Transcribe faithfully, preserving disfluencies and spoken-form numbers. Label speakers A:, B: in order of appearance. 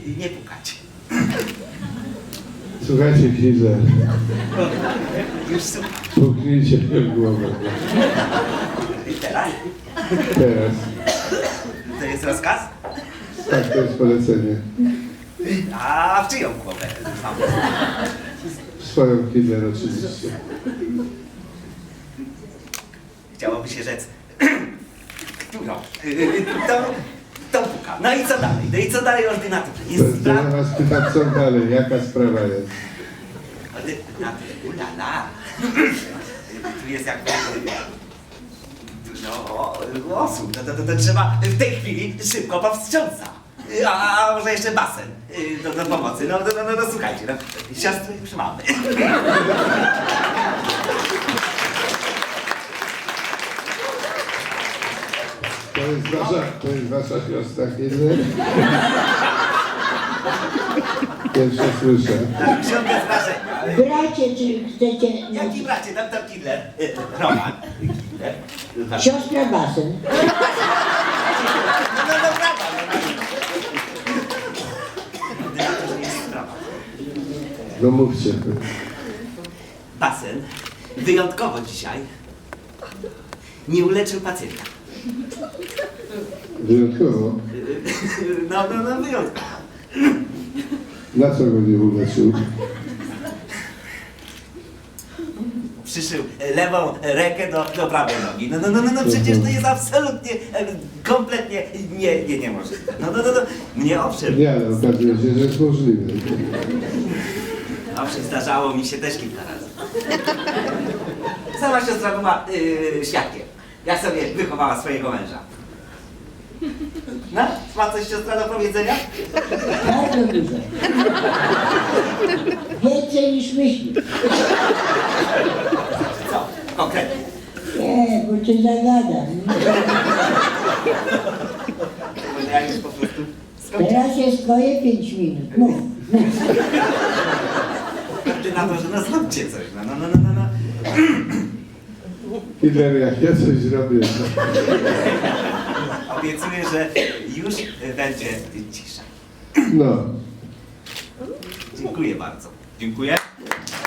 A: Nie pukać.
B: Słuchajcie, Hitler.
A: Już słucham.
B: Puknijcie mnie w głowę.
A: I teraz?
B: Teraz.
A: To jest rozkaz?
B: Tak, to jest polecenie.
A: A w czyją głowę?
B: W swoją, Hitler, oczywiście.
A: Chciałoby się rzec. Którą? To, to puka. No i co dalej? No i co dalej, ordynator?
B: To,
A: Jest
B: to ja
A: sprawa.
B: was pytam, co dalej, jaka sprawa jest?
A: Ordynator, ulala. Tu jest jakby dużo osób. To, to, to, to trzeba w tej chwili szybko powstrząsa. A, a może jeszcze basen do, do pomocy. No, no, no, no słuchajcie, no, siostry już mamy.
B: To jest wasza, to jest wasza siostra, Hitler? Pierwsze słyszę.
A: Książkę zdarzenia.
C: Bracie, czy chcecie...
A: Jaki bracie? Tam tam Killer. Roman. Killer.
C: Siostra Basen.
A: No, no, no, brawa. Ordynator nie jest sprawa.
B: No mówcie.
A: Basen wyjątkowo dzisiaj nie uleczył pacjenta.
B: Wyjątkowo.
A: No, no, no, wyjątkowo.
B: Na co go nie uleczył?
A: Przyszył lewą rękę do, do prawej nogi. No, no, no, no, no przecież to jest absolutnie, e, kompletnie nie, nie, niemożliwe. No, no, no, no, mnie owszem,
B: Nie, ale okazuje się, że jest możliwe.
A: owszem, zdarzało mi się też kilka razy. Sama siostra była yy, świadkiem, jak sobie wychowała swojego męża. No, ma coś siostra do powiedzenia?
C: Bardzo dużo. Więcej niż myślisz.
A: Co? Konkretnie.
C: Nie, bo cię zagadam.
A: Może ja już po prostu skończę.
C: Teraz jest twoje pięć minut. Mów, mów.
A: Ordynatorze, no zróbcie coś, no, no, no, no, no, no.
B: Hitler, jak ja coś zrobię, to...
A: Obiecuję, że już będzie cisza.
B: No.
A: Dziękuję bardzo. Dziękuję.